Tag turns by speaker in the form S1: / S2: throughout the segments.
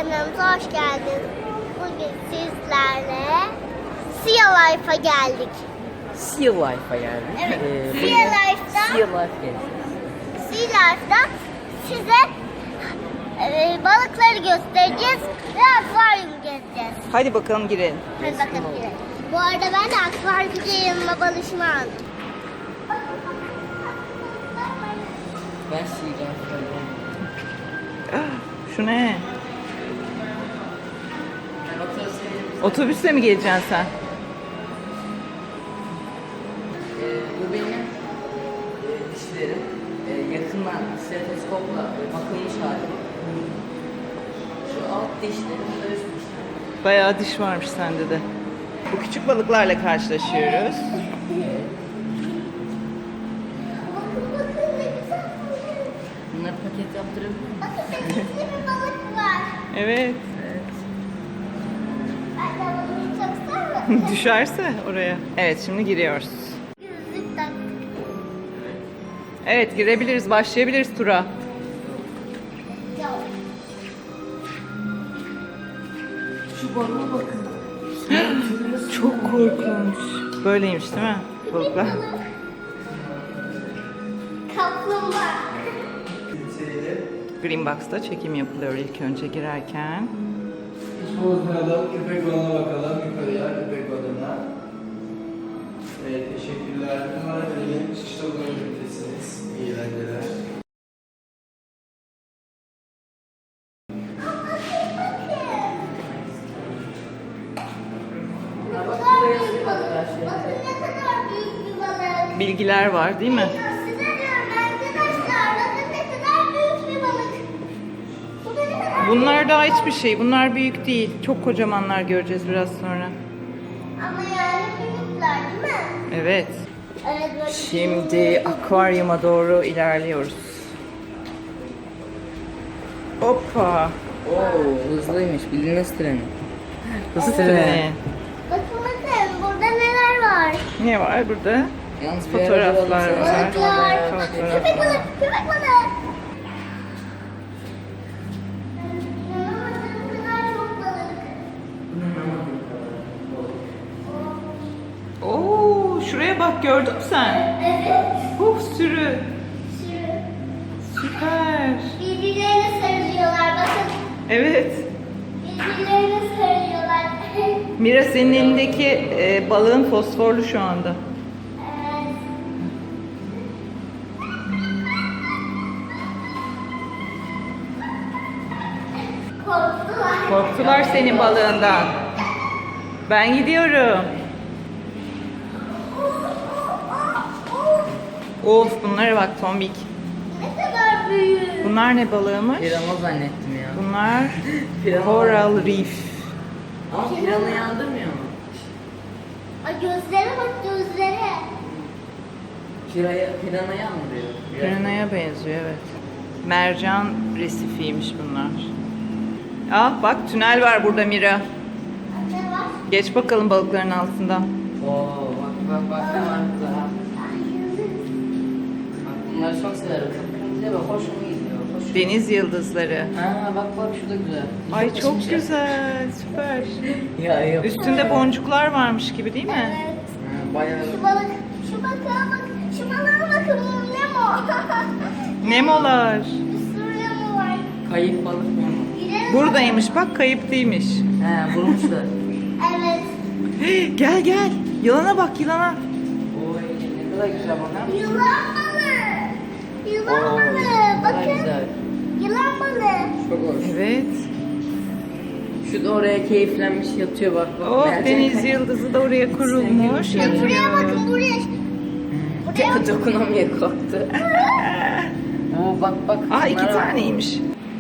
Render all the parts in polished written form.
S1: kanalımıza hoş geldiniz. Bugün sizlerle Sea Life'a geldik.
S2: Sea Life'a geldik.
S1: Evet.
S2: Sea
S1: Sea
S2: Life geldik.
S1: Life'da size balıkları göstereceğiz ve akvaryum gezeceğiz.
S2: Hadi bakalım girelim.
S1: Hadi bakalım girelim. Bu arada ben de akvaryumda yanıma balışımı aldım.
S2: Ben Sea Life'a geldim.
S3: Şu ne? Otobüsle mi geleceksin sen?
S2: Bu benim dişlerim. Yakından stetoskopla bakılmış hali. Şu alt dişlerim, bu da üst dişlerim.
S3: Bayağı diş varmış sende de. Bu küçük balıklarla karşılaşıyoruz.
S1: Bakın ne güzel.
S2: Bunları paket yaptırabilir miyim?
S1: Bakın denizli bir balık var.
S3: Evet.
S2: Evet.
S1: Ben de balığımı çok seviyorum.
S3: Düşerse oraya. Evet, şimdi giriyoruz.
S1: Gözlük taktık.
S3: Evet, girebiliriz, başlayabiliriz tura.
S2: Şu balığa bakın.
S3: Çok korkunç. Böyleymiş değil mi balıklar?
S1: Kaplumbağa.
S3: Green Box'ta çekim yapılıyor ilk önce girerken.
S4: Bozmayalım, köpek balığına bakalım. Yukarıya, köpek balığına. Evet, teşekkürler. Numara verelim. Çıkışta bulunabilirsiniz. İyi eğlenceler.
S1: Bakın ne kadar büyük bir balık.
S3: Bilgiler var değil mi?
S1: Size diyorum arkadaşlar. Bakın ne kadar büyük bir balık. Bu da ne kadar
S3: Bunlar daha hiçbir şey. Bunlar büyük değil. Çok kocamanlar göreceğiz biraz sonra.
S1: Ama yani büyükler değil mi?
S3: Evet.
S1: Evet. Böyle
S3: Şimdi akvaryuma doğru ilerliyoruz. Hoppa.
S2: Oo, hızlıymış. Bildiğiniz treni.
S3: Hız
S2: Evet.
S3: treni.
S1: Bakın burada neler var.
S3: Ne var burada?
S2: Yalnız bir
S3: Fotoğraflar
S2: arada
S3: var.
S1: Balıklar.
S3: Fotoğraf.
S1: Köpek balık. Köpek balık. Ne kadar çok balık.
S3: Oo, şuraya bak, gördün mü sen?
S1: Evet.
S3: Sürü.
S1: Sürü.
S3: Süper.
S1: Birbirlerine sarılıyorlar. Bakın.
S3: Evet.
S1: Birbirlerine sarılıyorlar.
S3: Mira, senin elindeki balığın fosforlu şu anda.
S1: Evet. Korktular.
S3: Korktular senin balığından. Ben gidiyorum. Of, bunlara bak tombik.
S1: Ne kadar büyük.
S3: Bunlar ne balığımış?
S2: Pirana zannettim ya.
S3: Bunlar
S2: Pirana.
S3: coral reef.
S2: Ama pirana yandırmıyor mu?
S1: Ay gözlere bak gözlere.
S2: Piranaya andırıyor.
S3: Piranha'ya benziyor, evet. Mercan resifiymiş bunlar. Ah bak, tünel var burada Mira.
S1: Ne var?
S3: Geç bakalım balıkların altından.
S2: Oo, bak ne var burada.
S1: Ay yıldız.
S2: Bak bunları çok severim. Kıpkırmızı ve hoşuma gidiyor. Hoş.
S3: Deniz yıldızları.
S2: Ha bak şu da güzel.
S3: Ay çok güzel, süper.
S2: Ya yok.
S3: Üstünde boncuklar varmış gibi değil mi?
S1: Evet.
S2: Ha, bayağı.
S1: Şu balık, şu balığa bak, şu balığa bakın bu Nemo.
S3: Nemolar.
S1: Bir sürü Nemo var.
S2: Kayıp balık mı?
S1: Gidelim.
S3: Buradaymış bak, kayıp değilmiş.
S2: He vurmuşlar.
S1: Evet.
S3: Gel gel. Yılana bak, yılana.
S2: Oy ne kadar güzel bana.
S1: Yılan balığı. Yılan
S2: Oo,
S1: balığı.
S2: ne kadar
S1: Bakın.
S2: güzel.
S1: Yılan balığı.
S2: Çok hoş.
S3: Evet.
S2: Şu da oraya keyiflenmiş yatıyor bak.
S3: Oh,
S2: Mercan
S3: deniz
S2: kayıp.
S3: yıldızı da oraya kurulmuş.
S1: Ya buraya
S3: Yatıyor.
S1: bakın buraya. Buraya bakın.
S2: Dokunamıyor korktu. Oo bak.
S3: Aa, iki
S2: şunlara bak.
S3: taneymiş.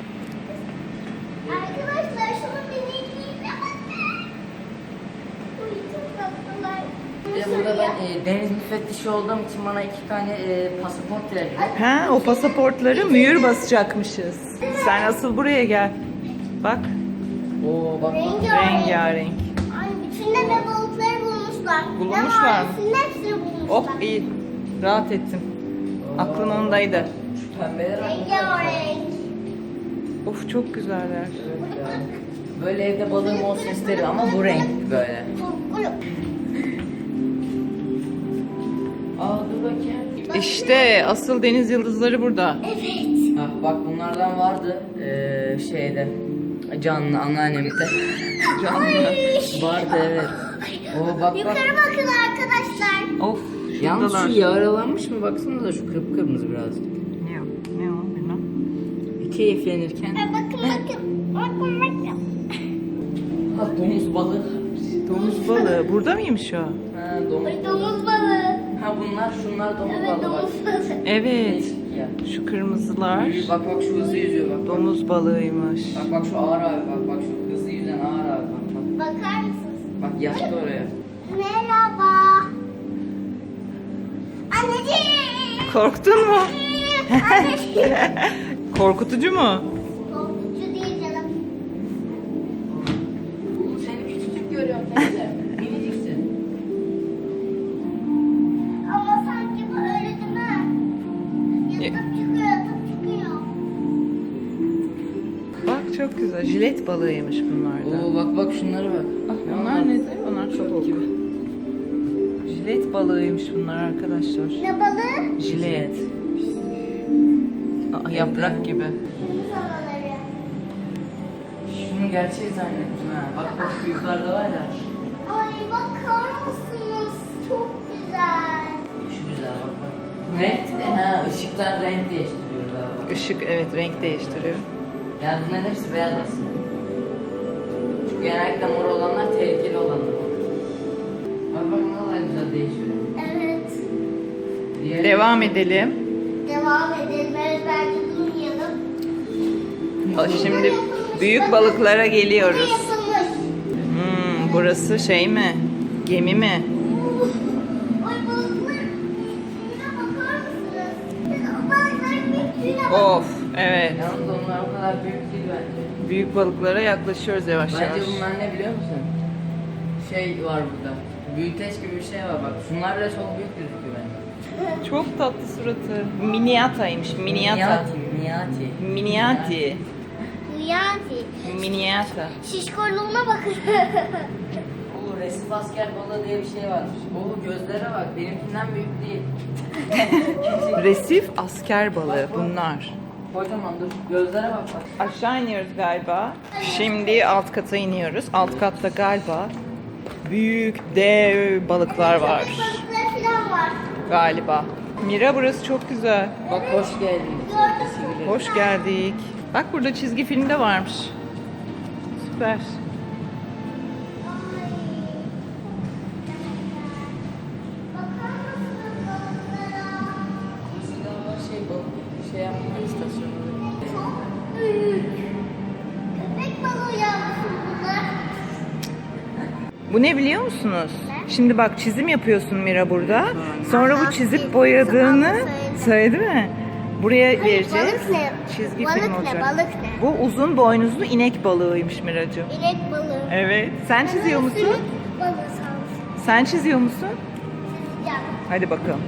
S1: Arkadaşlar şunun minikliğine bakın. Uy çok tatlılar.
S2: Bir de burada ben deniz müfettişi olduğum için bana 2 tane pasaport verdiler.
S3: Ha, o pasaportları mühür basacakmışız. Sen asıl buraya gel. Bak,
S2: Oo bak.
S3: rengarenk.
S1: Ay bütün de balıkları bulmuşlar.
S3: Bulmuşlar mı?
S1: Hepsini bulmuşlar.
S3: Oh, iyi. Rahat ettim. Aklım ondaydı.
S2: Şu pembeler
S1: Rengarenk.
S3: Of, çok güzeller.
S1: Burada
S2: Böyle evde balığım olsun isterim ama bu renk böyle. Aa dur bakayım.
S3: İşte asıl deniz yıldızları burada.
S1: Evet.
S2: Ha, bak bunlardan vardı şeyde. Canlı anneannemde.
S3: Canlı.
S2: Vardı evet. Oo bak bak.
S1: Yukarı bakın arkadaşlar.
S3: Of.
S2: Yalnız
S3: şuradalar.
S2: şu yaralanmış mı baksanıza şu kıpkırmızı birazcık.
S3: Ne o? Ne o? Bilmem.
S2: Keyiflenirken.
S1: Bakın. Bakın.
S2: Ha domuz balığı.
S3: Domuz balığı. Burada mıymış o?
S2: Ha domuz.
S1: Domuz balığı.
S2: Ha şunlar domuz
S1: Evet,
S2: balığı bak.
S1: domuz balığı.
S3: Evet.
S2: Değişik ya.
S3: Şu kırmızılar.
S2: Bak şu hızlı yüzüyor bak.
S3: Domuz balığıymış.
S2: Bak şu ağır abi bak şu hızlı yüzen ağır abi bak.
S1: Bakar mısınız?
S2: Bak yattı oraya.
S1: Merhaba. Anneciğim.
S3: Korktun mu?
S1: Anneciğim.
S3: Korkutucu mu?
S1: Korkutucu değil canım.
S2: Seni küçücük görüyorum teyze. Miniciksin.
S1: Ama sanki bu öyle değil mi? Yatıp çıkıyor.
S3: Bak çok güzel. Jilet balığıymış bunlar da.
S2: Oo bak şunlara bak.
S3: Onlar ne? Onlar çok gibi. Jilet balığıymış bunlar arkadaşlar.
S1: Ne balığı?
S3: Jilet. Aa, yaprak gibi.
S1: Deniz anaları.
S2: Şunu gerçeği zannettim ha. Bak şu yukarıda var ya.
S1: Ay bakar mısınız? Çok güzel.
S2: Şu güzel bak. Renk ha ışıklar renk değiştiriyor daha bak.
S3: Işık evet renk değiştiriyor.
S2: Yani bunların hepsi beyaz aslında. Çünkü genellikle mor olanlar tehlikeli olanlar. Bak ne kadar güzel değişiyor.
S1: Evet.
S2: Diğer
S3: Devam edelim.
S1: Devam edelim. Evet bence durmayalım.
S3: Şimdi büyük balıklara
S1: Bu
S3: geliyoruz.
S1: yapılmış.
S3: Burası şey mi? Gemi mi?
S1: Ay balıklar büyüklüğüne bakar mısınız? Siz balıkların büyüklüğüne bakın.
S3: Of evet.
S2: Yalnız onlar o kadar büyük değil bence.
S3: Büyük balıklara yaklaşıyoruz yavaş yavaş.
S2: Bence bunlar ne biliyor musun? Şey var burada. Büyüteç gibi bir şey var bak. Şunlar bile çok büyük gözüküyor bence.
S3: Çok tatlı suratı. Miniataymış. Miniata.
S2: Miniati.
S3: Miniati.
S1: Niyazi.
S3: Miniata.
S1: Şişkorluğuna bakın.
S2: Oo resif asker balığı diye bir şey var. Oo gözlere bak. Benimkinden büyük değil.
S3: Resif asker balığı bunlar.
S2: Kocaman dur. Gözlere bak bak.
S3: Aşağı iniyoruz galiba. Şimdi alt kata iniyoruz. Alt katta galiba büyük dev balıklar var
S1: Balıklar falan var.
S3: galiba. Mira burası çok güzel.
S2: Bak hoş geldin.
S1: Gördün mü?
S3: Hoş geldik. Bak burada çizgi film de varmış. Süper.
S1: Ay. Bakar mısınız balıklara?
S2: Şey balık şey yapma istasyonu.
S1: Çok büyük. Köpek balığı yavrusu bunlar.
S3: Bu ne biliyor musunuz?
S1: Ne?
S3: Şimdi bak çizim yapıyorsun Mira burada. Sonra bu
S1: Aha,
S3: çizip boyadığını söyledi mi? Buraya
S1: Hayır,
S3: vereceğiz.
S1: balık ne?
S3: Çizgi
S1: Balık
S3: film
S1: ne,
S3: olacak.
S1: balık ne?
S3: Bu uzun boynuzlu inek balığıymış Miracığım.
S1: İnek balığı.
S3: Evet. Sen çiziyor musun?
S1: Sümük balığı sanırım.
S3: Sen çiziyor musun?
S1: Ya.
S3: Hadi bakalım.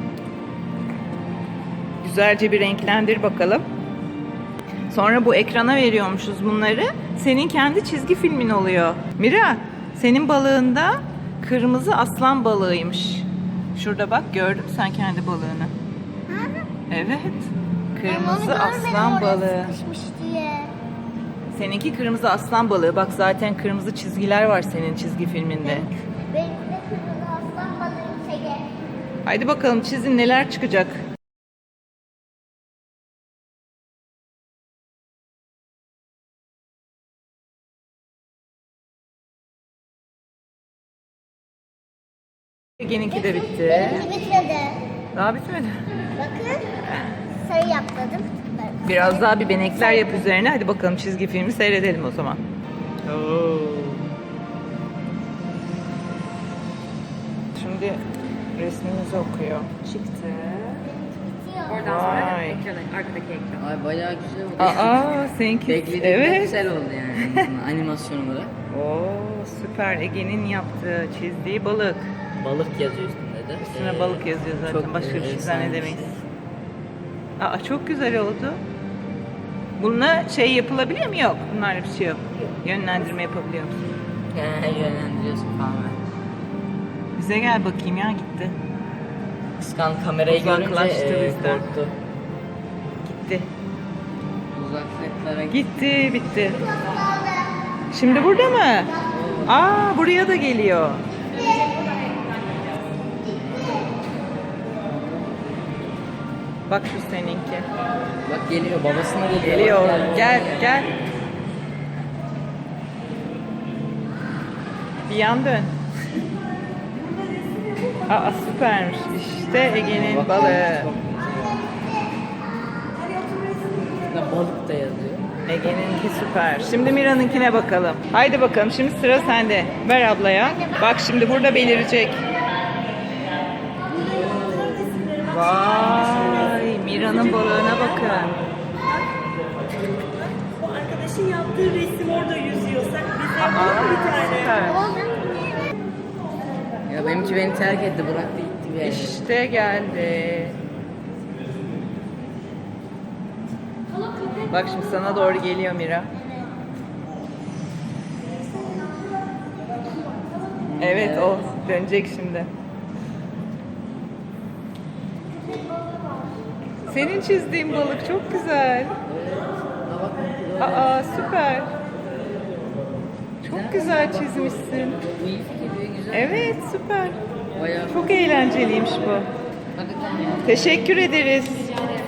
S3: Güzelce bir renklendir bakalım. Sonra bu ekrana veriyormuşuz bunları. Senin kendi çizgi filmin oluyor. Mira, senin balığında kırmızı aslan balığıymış. Şurada bak gördün mü sen kendi balığını? Evet. Kırmızı aslan balığı.
S1: Sıkışmış diye.
S3: Seninki kırmızı aslan balığı. Bak zaten kırmızı çizgiler var senin çizgi filminde.
S1: Benim de kırmızı aslan balığım Sege.
S3: Haydi bakalım çizin neler çıkacak. Ege'ninki de bitti.
S1: Benimki bitmedi.
S3: Daha bitmedi.
S1: Bakın. Sarı yapmadım.
S3: Biraz daha bir benekler yap üzerine. Hadi bakalım çizgi filmi seyredelim o zaman. Şimdi resmimizi okuyor. Çıktı.
S1: Bitiyor.
S3: Vay.
S2: Arkadaki ekran. Ay bayağı güzel oldu.
S3: Aa, seninki.
S2: Beklediğimden
S3: Evet.
S2: güzel oldu yani animasyon olarak.
S3: Oo, süper. Ege'nin yaptığı, çizdiği balık.
S2: Balık yazıyor üstünde de.
S3: Üstüne balık yazıyor zaten.
S2: çok,
S3: Başka bir şey
S2: efsane bir
S3: zannedemeyiz.
S2: şey.
S3: Aa, çok güzel oldu. Bununla şey yapılabiliyor mu? Yok. Bunlarla bir şey yok. Yönlendirme yapabiliyor musun?
S2: Yönlendiriyorsun falan.
S3: Bize gel bakayım ya, gitti.
S2: Kıskan kamerayı görünce
S3: Uzaklaştı bizden.
S2: korktu.
S3: Gitti.
S2: Uzaklıklara
S3: Gitti, bitti. Şimdi burada mı? Aa, buraya da geliyor. Bak şu seninki.
S2: Bak geliyor, babasına geliyor.
S3: Geliyor.
S2: Bak,
S3: Gel, gel. Bir yan dön. Aa, süpermiş. İşte Ege'nin balığı.
S2: Ne balık da yazıyor.
S3: Ege'ninki süper. Şimdi Mira'nınkine bakalım. Haydi bakalım, şimdi sıra sende. Ver ablaya. Bak şimdi burada belirecek. Vay, Mira'nın balığına bakın.
S5: Bu arkadaşın yaptığı resim orada yüzüyor. Sen bize
S3: Aa,
S5: bir tane.
S3: süper.
S2: Ya benimki beni terk etti, bıraktı gitti bir yere.
S3: İşte geldi. Bak şimdi sana doğru geliyor Mira. Evet, o dönecek şimdi. Senin çizdiğin balık çok güzel. Aa, süper. Çok güzel çizmişsin.
S2: Bu iyi fikir, güzel.
S3: Evet, süper.
S2: Bayağı.
S3: Çok eğlenceliymiş bu.
S2: Hakikaten ya.
S3: Teşekkür ederiz.